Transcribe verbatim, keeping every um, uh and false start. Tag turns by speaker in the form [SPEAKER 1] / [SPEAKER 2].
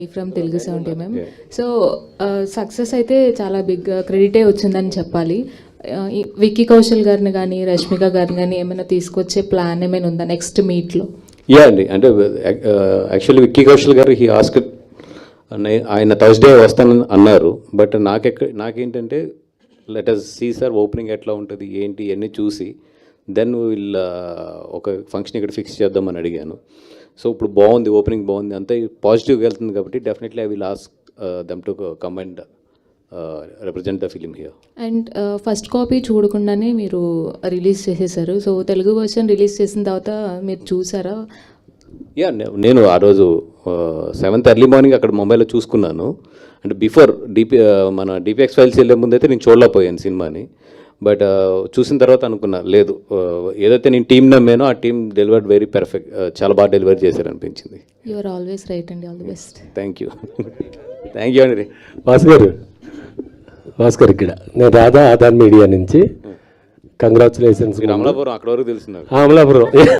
[SPEAKER 1] From Telugu seventy MM. So success అయితే చాలా big క్రెడిటే వచ్చిందని చెప్పాలి. Uh, ఈ విక్కీ కౌశల్ గారిని కానీ రష్మిక గారిని కానీ ఏమైనా తీసుకొచ్చే ప్లాన్ ఏమైనా ఉందా నెక్స్ట్ మీట్లో?
[SPEAKER 2] యా అండి, అంటే యాక్చువల్లీ విక్కీ కౌశల్ గారు హీ ఆస్క్ ఆయన థర్స్డే వస్తానని అన్నారు. బట్ నాకెక్క నాకేంటంటే let us see sir opening ఎట్లా ఉంటుంది ఏంటి అన్నీ చూసి దెన్ వీళ్ళ ఒక ఫంక్షన్ ఇక్కడ ఫిక్స్ చేద్దామని అడిగాను. సో ఇప్పుడు బాగుంది, ఓపెనింగ్ బాగుంది, అంతా పాజిటివ్గా వెళ్తుంది కాబట్టి definitely I will ask them to come and represent the film here.
[SPEAKER 1] And first copy చూడకుండానే మీరు రిలీజ్ చేసేసారు. సో తెలుగు వర్షన్ రిలీజ్ చేసిన తర్వాత మీరు చూసారా?
[SPEAKER 2] యా, నేను ఆ రోజు సెవెంత్ ఎర్లీ మార్నింగ్ అక్కడ ముంబైలో చూసుకున్నాను. అంటే బిఫోర్ డిపి మన డిపిఎక్స్ ఫైల్స్ వెళ్ళే ముందు అయితే నేను చూడలేకపోయాను సినిమాని. బట్ చూసిన తర్వాత అనుకున్నా లేదు, ఏదైతే నేను టీం నమ్మానో ఆ టీం డెలివర్డ్ వెరీ పర్ఫెక్ట్, చాలా బాగా డెలివర్ చేశారు అనిపించింది.
[SPEAKER 1] యు ఆర్ ఆల్వేస్ రైట్ అండి, all the best.
[SPEAKER 2] Thank you thank you అండి.
[SPEAKER 3] భాస్కర్ భాస్కర్ ఇక్కడ నేను రాధా ఆధార్ మీడియా నుంచి. కంగ్రాచులేషన్స్.
[SPEAKER 2] అమలాపురం అక్కడ వరకు తెలుసు నాకు.
[SPEAKER 3] అమలాపురం